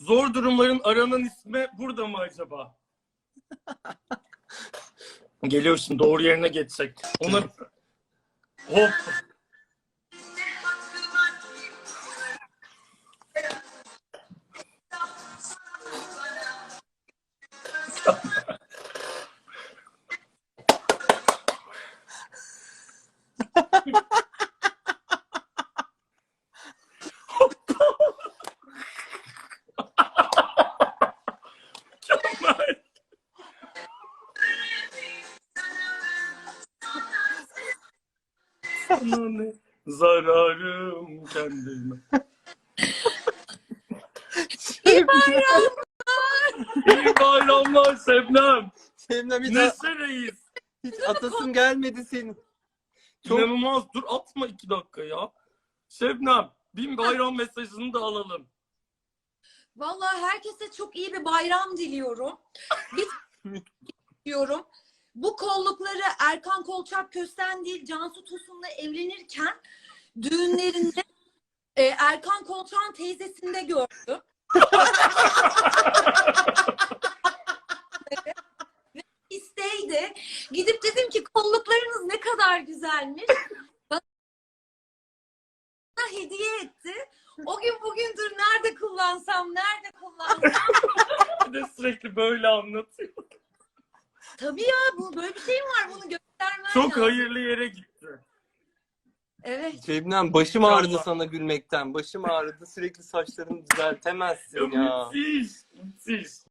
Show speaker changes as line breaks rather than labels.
Zor durumların aranan ismi burada mı acaba? Geliyorsun, doğru yerine geçecek. Ona hop. Sana ne zararım kendime.
İyi bayram.
İyi bayramlar Şebnem.
Şebnem hiç,
Neşe Reis.
hiç atasın gelmedi senin. Çok...
İnanılmaz. Dur atma 2 dakika ya. Şebnem, bin bayram mesajını da alalım.
Vallahi herkese çok iyi bir bayram diliyorum. Bir diyorum. Bu kollukları Erkan Kolçak Kösten değil Cansu Tosun'la evlenirken düğünlerinde Erkan Kolçak'ın teyzesinde gördüm. Ve isteydi. Gidip dedim ki kolluklarınız ne kadar güzelmiş. Bana hediye etti. O gün bugündür nerede kullansam.
Bir de sürekli böyle anlatıyor.
Tabii ya, bu böyle bir şey mi var? Bunu göstermen
Çok
lazım.
hayırlı yere gitti.
Evet.
Şebnem başım ağrıdı
Allah.
sana gülmekten. Başım ağrıdı. Sürekli saçlarını düzeltemezsin ya.
Müthiş. Müthiş.